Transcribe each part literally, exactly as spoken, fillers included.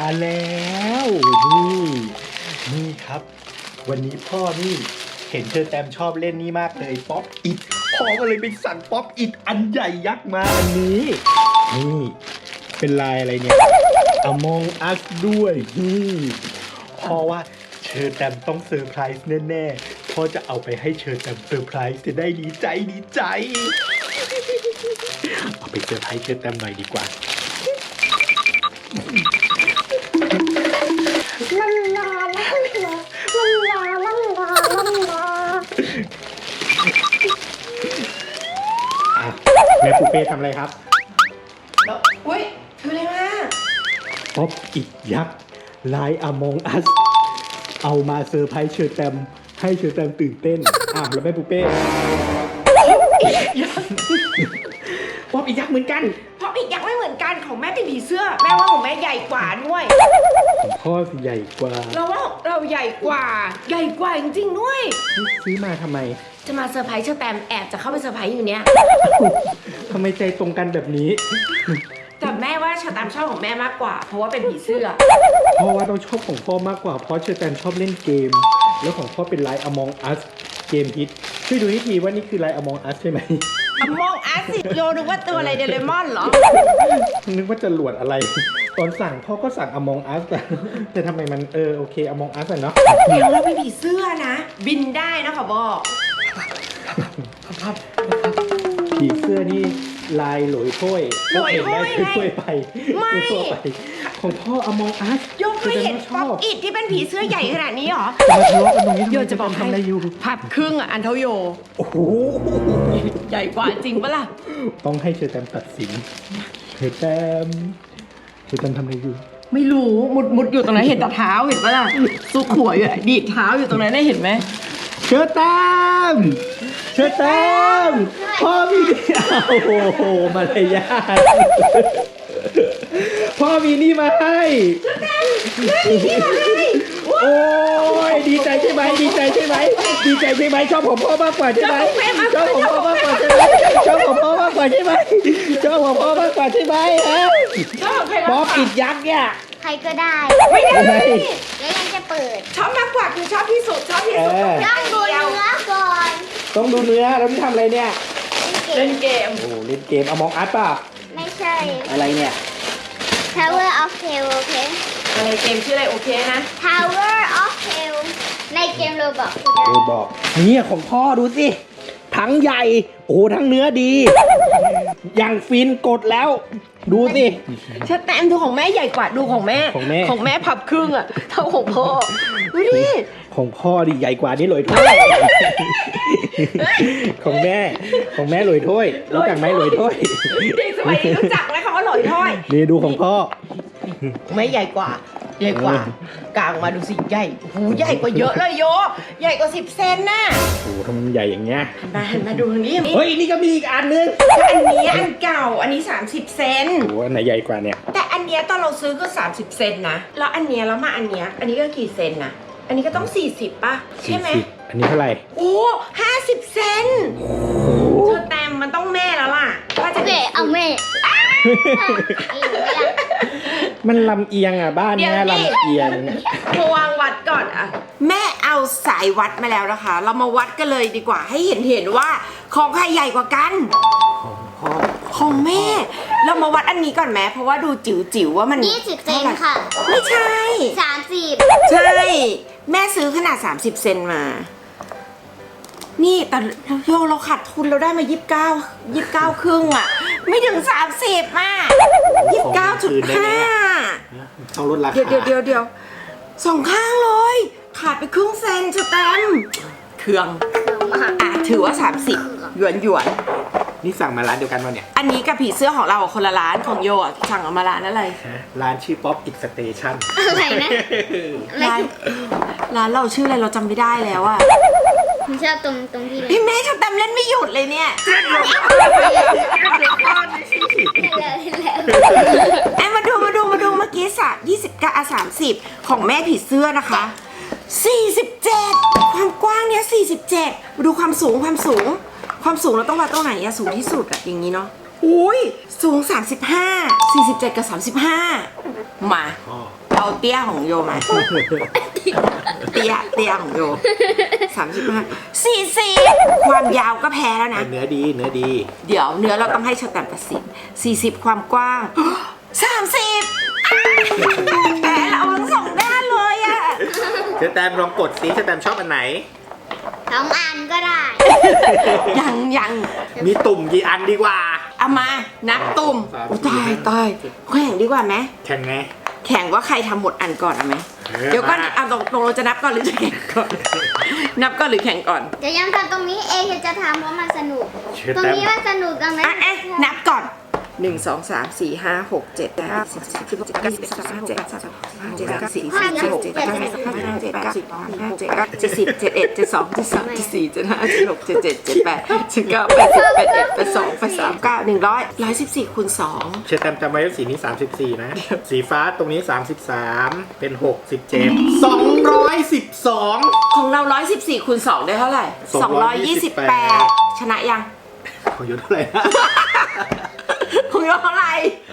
แล้วนี่นี่ครับวันนี้พ่อนี่เห็นเชอแตมชอบเล่นนี่มากเลยป๊อปอิทพ่อก็เลยไปสั่งป๊อปอิทอันใหญ่ยักษ์มาอันนี้นี่เป็นลายอะไรเนี่ย Among Us ด้วยนี่พ่อว่าเชอแตมต้องเซอร์ไพรส์แน่ๆพ่อจะเอาไปให้เชอแตมเซอร์ไพรส์จะได้ดีใจดีใจเอาไปเซอร์ไพรส์เชอแตมหน่อยดีกว่าลาลาลาลาลาลาลาลาแม่ปูเป้ทำอะไรครับอุ้ยถืออะไรมาป๊อปอิทยักษ์ลาย Among Us เอามาเซอร์ไพรส์เชอแตมให้เชอแตมตื่นเต้นอ้าวแล้วแม่ปูเป้ป๊อปอิทยักษ์เหมือนกันป๊อปอิทยักษ์ไม่เหมือนกันของแม่เป็นผีเสื้อแม่ว่าของแม่ใหญ่กว่าด้วยของพ่อสิใหญ่กว่าเราว่าเราใหญ่กว่าใหญ่กว่าจริงๆด้วยซื้อมาทำไมจะมาเซอร์ไพรส์เชอแตมแอบจะเข้าไปเซอร์ไพรส์อยู่เนี้ยทำไมใจตรงกันแบบนี้แต่แม่ว่าเชอแตมชอบของแม่มากกว่าเพราะว่าเป็นผีเสื้อพ่อว่าต้องชอบของพ่อมากกว่าเพราะเชอแตมชอบเล่นเกมแล้วของพ่อเป็นไลน์ Among Us เกมฮิตช่วยดูทีว่านี่คือไลน์ Among Us ใช่ไหม Among Us สิโยนึกว่าตัวอะไรเดเรมอนเหรอนึกว่าจะหลวดอะไรตอนสั่งพ่อก็สั่ง Among Us แต่แต่ทำไมมันเออโอเค Among Us อะเนาะเดี๋ยวเราเป็นผีเสื้อนะบินได้นะขอบอกผีเสื้อนี่ลายหลอยถ้วยหลอยถ้วยถ้วยไปไม่ของพ่อ Among Us โยเคยเห็นป๊อปอิทที่เป็นผีเสื้อใหญ่ขนาดนี้หรอจะมาทะเลาะกันตรงนี้โยจะบอกให้พับครึ่งอ่ะอันเท่าโยโอ้โหใหญ่กว่าจริงปะล่ะต้องให้เชอแตมตัดสินเชอแตมเชอแตมทำอะไรอยู่ไม่รู้มุดมุดอยู่ตรงนั้นเห็นแต่เท้าเห็นปะล่ะซุกหัวอยู่ดีดเท้าอยู่ตรงนั้นได้เห็นไหมเชอแตมเชอแตมพ่อมีโอ้โหมารยาทพ่อมีนี่มาให้โอ้ยดีใจใช่ไหมดีใจใช่ไหมดีใจใช่ไหมชอบของพ่อมากกว่าใช่ไหมชอบของพ่อมากกว่าใช่ไหมชอบของพ่อมากกว่าใช่ไหมชอบของพ่อมากกว่าใช่ไหมฮะป๊อปอิทยักษ์เนี่ยใครก็ได้ไม่ได้แล้วยังจะเปิดชอบมากกว่าคือชอบที่สุดชอบที่สุดต้องดูเนื้อก่อนต้องดูเนื้อแล้วพี่ทำอะไรเนี่ยเล่นเกมโอ้เล่นเกมAmong Usป่ะไม่ใช่อะไรเนี่ย Tower of Hell โอเคอะไรเกมชื่ออะไรโอเคนะ Tower of Hell ในเกมโรบอกโรบอกนี่ของพ่อดูสิทั้งใหญ่โอ้ทั้งเนื้อดีอย่างฟินกดแล้วดูสิเชอแตมดูของแม่ใหญ่กว่าดูของแม่ของแม่ของแม่พับครึ่งอ่ะเท่าของพ่อดูดิของพ่อดิใหญ่กว่านี่ลอยถ้วยของแม่ของแม่ลอยถ้วยรู้จักไหมลอยถ้วยเด็กสมัยนี้รู้จักไหมคำว่าลอยถ้วยนี่ดูของพ่อแม่ใหญ่กว่าใหญ่กว่ากลางมาดูสิใหญ่โอ้ใหญ่กว่าเยอะเลยโยใหญ่กว่าสิบเซนน่ะโอ้ทำไมใหญ่อย่างเงี้ยมามาดูทางนี้เฮ้ยนี่ก็มีอีกอันนึงอันนี้อันเก่าอันนี้สามสิบเซนโอ้อันไหนใหญ่กว่าเนี่ยแต่อันเนี้ยตอนเราซื้อก็สามสิบเซนนะแล้วอันเนี้ยแล้วมาอันเนี้ยอันนี้ก็กี่เซนนะอันนี้ก็ต้องสี่สิบป่ะใช่ไหมอันนี้เท่าไหร่โอ้ห้าสิบเซนเธอแต้มมันต้องแม่แล้วล่ะว่าจะเอาแม่มันลำเอียงอ่ะบ้านเนี้ยลำเอียงมาวางวัดก่อนอ่ะแม่เอาสายวัดมาแล้วนะคะเรามาวัดกันเลยดีกว่าให้เห็นเห็นว่าของใครใหญ่กว่ากันของแม่เรามาวัดอันนี้ก่อนแม่เพราะว่าดูจิ๋วจิ๋วว่ามันยี่สิบเซนค่ะไม่ใช่สามสิบใช่แม่ซื้อขนาดสามสิบเซนมานี่แต่โยเราขาดทุนเราได้มายี่สิบเก้ายี่สิบเก้าครึ่งอ่ะไม่ถึงสามสิบอ่ะยี่สิบเก้าจุดห้าต้องลดราคาเดี๋ยวเดี๋ยวเดี๋ยวเดี๋ยวสองข้างเลยขาดไปครึ่งเซนจะเต็มเครื่องอ่ะถือว่าสามสิบหยวนหยวนนี่สั่งมาร้านเดียวกันวะเนี่ยอันนี้กับผีเสื้อของเราคนละร้านของโยอ่ะสั่งเอามาร้านอะไรร้านชื่อป๊อปอิทสเตชันอะไรนะร้านร้านเราชื่ออะไรเราจำไม่ได้แล้วอ่ะคุณชอบตรงตรงที่พี่แม่ชอบตามเล่นไม่หยุดเลยเนี่ยไอ้มาดูมาดูมาดูเมื่อกี้สามยี่สิบกับสามสิบของแม่ผีเสื้อนะคะสี่สิบเจ็ดความกว้างเนี้ยสี่สิบเจ็ดมาดูความสูงความสูงความสูงเราต้องวัดตรงไหนอะสูงที่สุดอะอย่างนี้เนาะอุ้ยสูงสามสิบห้า สี่สิบเจ็ดกับสามสิบห้ามาเราเอาเตี้ยของโยมา เตี้ยเตี้ยของโยสามสิบห้าสี่สิบความยาวก็แพ้แล้วนะเนื้อดีเนื้อดีเดี๋ยวเนื้อเราต้องให้เชอร์แตมตัดสินสี่สิบความกว้าง สามสิบแพ้เราทั้งสองด้านเลยอะเชอแตมลองกดสิเชอแตมชอบอันไหนสองอันก็ได้ยังยังมีตุ่มกี่อันดีกว่าเอามานับตุ่มสามอุ๊ยตายตายแข่งดีกว่าไหมแข่งไงแข่งว่าใครทำหมดอันก่อนเอาไหมเออเดี๋ยวก็มาเอาตรงตรงเราจะนับก่อนหรือจะแข่งก่อน นับก่อนหรือแข่งก่อนเดี๋ยวยังทำตรงนี้เองเดี๋ยวจะทำเพราะมันสนุกเชอตรงแตมนี้มันสนุกตรงนั้นอ่ะอ่ะนับก่อนหนึ่งสองสามสี่ห้าหกเจ็ดแปดเก้าสิบสิบเอ็ดสิบสองสิบสามสิบสี่สิบห้าสิบหกสิบเจ็ดสิบแปดสิบเก้าสิบสิบเอ็ดสิบสองสิบสามสิบสี่สิบห้าสิบหกสิบเจ็ดสิบสองสิบสามสิบสี่สิบห้าสิบหกสิบเจ็ดสิบแปดสิบเก้าแปดสิบแปดเอ็ดแปดสองแปดสามเก้าหนึ่งร้อยร้อยสิบสี่คูณสองเชอแตมจำไว้ว่าสีนี้สามสิบสี่นะ สีฟ้าตรงนี้สามสิบสามเป็นหกสิบเจ็ด สองร้อยสิบสองของเราร้อยสิบสี่คูณสองได้เท่าไหร่สองร้อยยี่สิบแปดชนะยังของอยู่เท่าไหร่นะของเราเท่าไหร่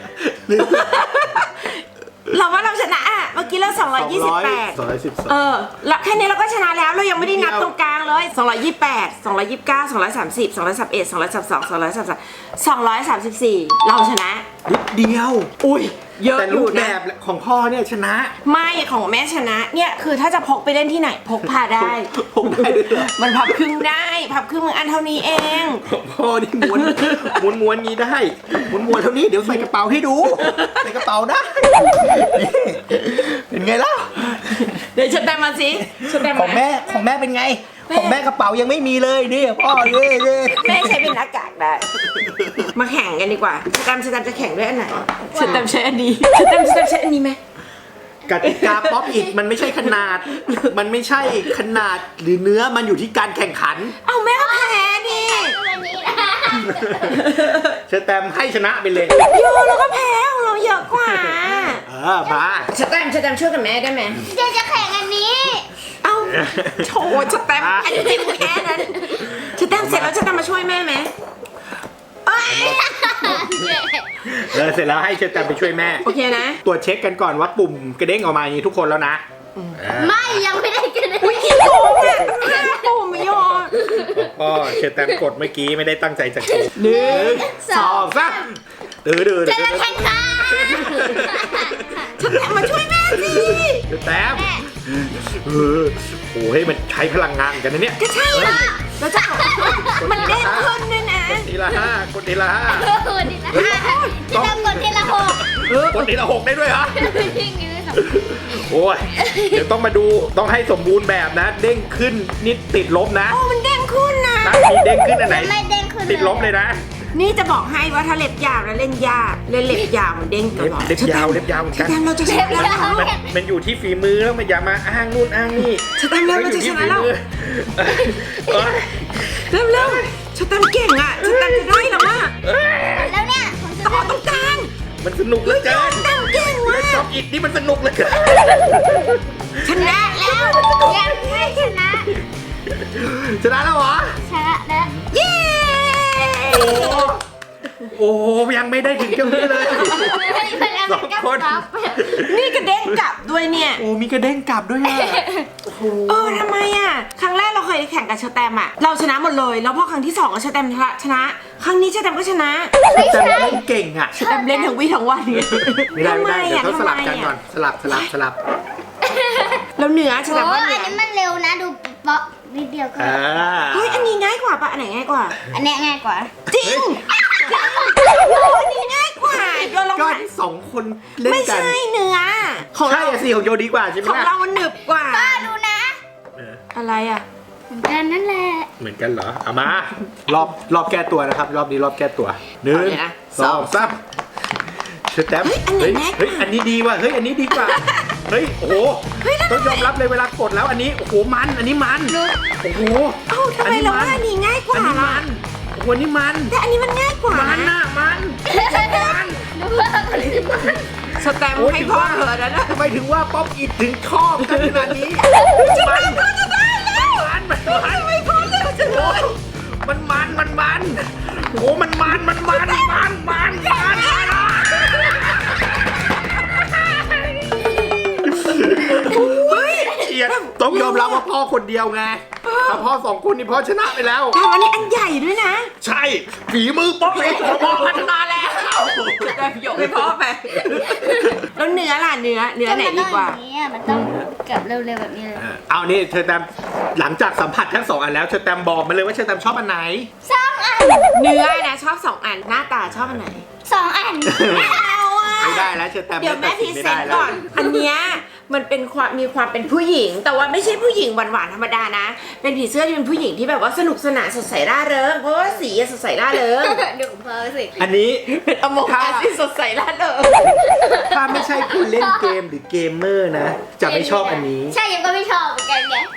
เราว่าเราชนะอ่ะ เมื่อกี้เราสองร้อยยี่สิบแปดสองร้อยสิบสองเออแล้วแค่นี้เราก็ชนะแล้วเรายังไม่ได้นับตรงกลางเลยสองร้อยยี่สิบแปด สองร้อยยี่สิบเก้า สองร้อยสามสิบ สองร้อยสามสิบเอ็ด สองร้อยสามสิบสอง สองร้อยสามสิบสาม สองร้อยสามสิบสี่ เราชนะนิดเดียวอุ้ยเยอะแต่อรูยู่ปแบนะบของพ่อเนี่ยชนะไม่ของแม่ชนะ เนี่ยคือถ้าจะพกไปเล่นที่ไหนพกพาได้ผมได้ด้วยเหรอมันพับครึ่งได้ พับครึ่งมึงอันเท่านี้เองของพ่อนี่ม้วนม้วนม้วนนี้ได้ม้วนม้วนเท่านี้เดี๋ยวใส่กระเป๋าให้ดูใส่กระเป๋าได้นี่เป็นไงล่ะเดี๋ยวฉันแต้มมาสิฉันแต้มของแม่ของแม่เป็นไง ของแม่กระเป๋ายังไม่มีเลยนี่พ่อเย่เย่แม่ใช้เป็นหน้ากากได้ มาแข่งกันดีกว่าฉันแต้มฉันแต้มจะแข่งด้วยอันไหนฉันแต้มใช้อันนี้ฉันแต้มฉันแต้มใช้อันนี้ไหมกติกาป๊อปอิทมันไม่ใช่ขนาด มันไม่ใช่ขนาดหรือเนื้อมันอยู่ที่การแข่งขันเอาแม่ก็แพ้ดิวันนี้นะเชอแตมให้ชนะไปเลยโยเราก็แพ้ของเราเยอะกว่าเออมาฉันแต้มฉันแต้มช่วยกับแม่ได้ไหมเดี๋ยวจะแข่งอันนี้เอาโชว์ฉันแต้มอันนี้แค่นั้นฉันแต้มเสร็จแล้วฉันแต้มมาช่วยแม่ไหมเอ้ยเออเสร็จแล้วให้เชอแตมไปช่วยแม่โอเคนะตรวจเช็คกันก่อนว่าปุ่มกระเด้งออกมาอย่างนี้ทุกคนแล้วนะไม่ยังไม่ได้กันเลยอุ้ยขี้โกงอ่ะห้าปุ่มไม่ยอมก็เชอแตมกดเมื่อกี้ไม่ได้ตั้งใจจะกดหนึ่งสองสามดื้อดื้อจะดื้อแข่งขันฉันแต้มมาช่วยแม่สิเชอแตมเออโอ้ยมันใช้พลังงานกันนะเนี่ยก็ใช่ละแล้วจะมันเด้งขึ้นด้วยนะทีละห้ากดทีละห้าโอ้ดีละห้าจะทำกดทีละหกกดทีละหกได้ด้วยเหรอยิ่งนี้ไม่สโอ้ยเดี๋ยวต้องมาดูต้องให้สมบูรณ์แบบนะ เด้งขึ้นนิดติดลบนะโอ้มันเด้งขึ้นนะถ้ามีเด้งขึ้นอันไหนไม่เด้งขึ้นติดลบเลยนะนี่จะบอกให้ว่าถ้าเล็บยาวแล้วเล่นยากเล่นเล็บยาวมันเด้งตเล็บลอดเล็บยาวเล็บยาวเหมือนชกันแตมเราจะชนะแล้วมันมันอยู่ที่ฝีมือแล้วมันอย่ามาอ้างนู่นอ้างนี่ชแตมเร็วเราจะชนะแล้วเอ้ยเร็วเร็วชแตมเก่งอ่ะชแตมจะได้หรอวะแล้วเนี่ยผมจะต่อตรงกลางมันสนุกเหลือเกินชแตมเก่งเล่ว่ะนท็อปอิทนี่มันสนุกเหลือเกินชนะแล้วยังไม่ชนะชนะแล้วเหรอชนะแล้วเย้โอ้โอ้ยังไม่ได้ถึงเจ้านี้เลย สองคนนี่กระเด้งกลับด้วยเนี่ยโอ้มีกระเด้งกลับด้วยอ่ะเออทำไมอ่ะครั้งแรกเราเคยแข่งกับชแตมอ่ะเราชนะหมดเลยแล้วพอครั้งที่สองก็ชแตมชนะ ครั้งนี้ชแตมก็ชนะแต่เล่นเก่งอ่ะชแตมเล่นทั้งวี่ทั้งวันเนี่ยไม่ได้ไม่ได้เดี๋ยวต้องสลับกันทำไมะก่อนสลับสลับสลับแล้วเหนือชโอ้แตมว่าเหนือันอนี้มันเร็วนะดูเปาะนิดเดียวก็อ่าเฮ้ยอันนี้ง่ายกว่าปะอันไหนง่ายกว่าอันเนี้ยง่ายกว่าจริงโอ้อันนี้ง่ายกว่าโยนลองก็หันสองคนเล่นไม่กันใช่เนื้อของใช่เราอะสิของโยดีกว่าใช่ไหมของล่ะเรามันหนึบกว่าป้าดูนะเอออะไรอ่ะเหมือนกันนั่นแหละเหมือนกันเหรอเอามารอบรอบแก้ตัวนะครับ รอบนี้รอบแก้ตัวหนึ่งเอาเลยนะสองสามเชอแตมเฮ้เฮ้ยยอันไหนง่ายกว่าเฮ้ยอันนี้ดีว่ะเฮ้ยอันนี้ดีกว่าเฮ้ยโอ้โหเฮ้ยแล้วต้องยอมรับเลยเวลากดแล้วอันนี้โอ้โหมันอันนี้มันโอ้โหเอ้าทำไมเราว่าอันนี้ง่ายกว่าอันนี้ล่ะมันโอ้โหอันนี้มันแต่อันนี้มันง่ายกว่ามันน่ะมันมันดูว่าสแตมป์ให้พ่อเธอแล้วนะทำไมถึงว่าป๊อปอิดถึงชอบกันขนาดนี้มันมันมันมันไม่พอแล้วจังเลยมันมันมันมันโอ้มันมันมันมันมันมันมันว่าพ่อคนเดียวไงถ้าพ่อสองคนนี่พ่อชนะไปแล้วแต่วันนี้อันใหญ่ด้วยนะใช่ฝีมือป๊อกเอ็กซ์ของพ่อพัฒนาแล้วได้ยกให้พ่อไปแล้วเนื้อล่ะเนื้อเนื้อไหนดีกว่ามันต้องอย่างนี้อะมันต้องเกับเร็วๆแบบนี้เลยเอานี่เชอแตมหลังจากสัมผัสทั้งสองอันแล้วเชอแตมบอกมาเลยว่าเชอแตมชอบอันไหนสองอันเนื้อนะชอบสองอันหน้าตาชอบอันไหนสองอันไม่เอาอ่ะไม่ได้แล้วเชอแตมเดี๋ยวแม่ตัพรีสิเซไม่นได้ต์แล้วก่อน อันเนี้ยมันเป็นความมีความเป็นผู้หญิง แต่ว่าไม่ใช่ผู้หญิงหวานๆธรรมดานะ เป็นผีเสื้อที่เป็นผู้หญิงที่แบบว่าสนุกสนานสดใสร่าเริงเพราะว่าสีอะสดใสร่าเริงเดี๋ยวผมพาไปสิอันนี้เป็นอโมกาที่สดใสร่าเริงถ้าไม่ใช่คนเล่นเกมหรือเกมเมอร์นะ จะไม่ชอบอันนี้ใช่ยังก็ไม่ชอบเหมือนกันไง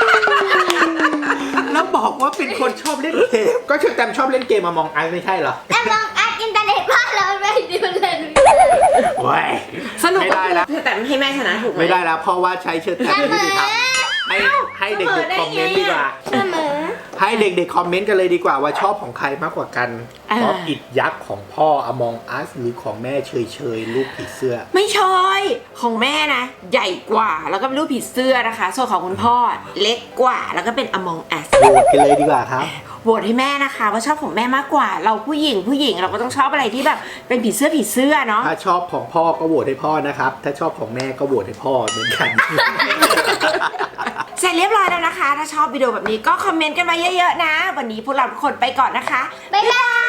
แล้วบอกว่าเป็นคนชอบเล่นเกม ก็เชอแตมชอบเล่นเกมมามองอันไม่ใช่เหรอแต่มองอัดอินเทอร์เน็ตบ้านเราไม่ดูเลยโอ้ยสนุกไม่ได้แล้วแต่ไม่ให้แม่ชนะถูกไหมไม่ได้แล้วเพราะว่าใช้เชอแตมไม่ได้ทำให้ให้เด็กๆคอมเมนต์ดีกว่าเสมอให้เด็กๆคอมเมนต์กันเลยดีกว่าว่าชอบของใครมากกว่ากันเพราะอิดยักษ์ของพ่ออมองอัสหรือของแม่เฉยเฉยๆลูกผีเสื้อไม่ใช่ของแม่นะ ใหญ่กว่าแล้วก็เป็นรูปผีเสื้อนะคะ ส่วนของคุณพ่อเล็กกว่าแล้วก็เป็น Among Us โหวตกันเลยดีกว่าครับโหวตให้แม่นะคะว่าชอบของแม่มากกว่า เราผู้หญิงผู้หญิงเราก็ต้องชอบอะไรที่แบบเป็นผีเสื้อผีเสื้อเนาะถ้าชอบของพ่อก็โหวตให้พ่อนะครับ ถ้าชอบของแม่ก็โหวตให้พ่อเหมือนกันเสร็จเรียบร้อยแล้วนะคะ ถ้าชอบวิดีโอแบบนี้ก็คอมเมนต์กันมาเยอะๆนะ วันนี้พวกเราทุกคนไปก่อนนะคะบ๊ายบาย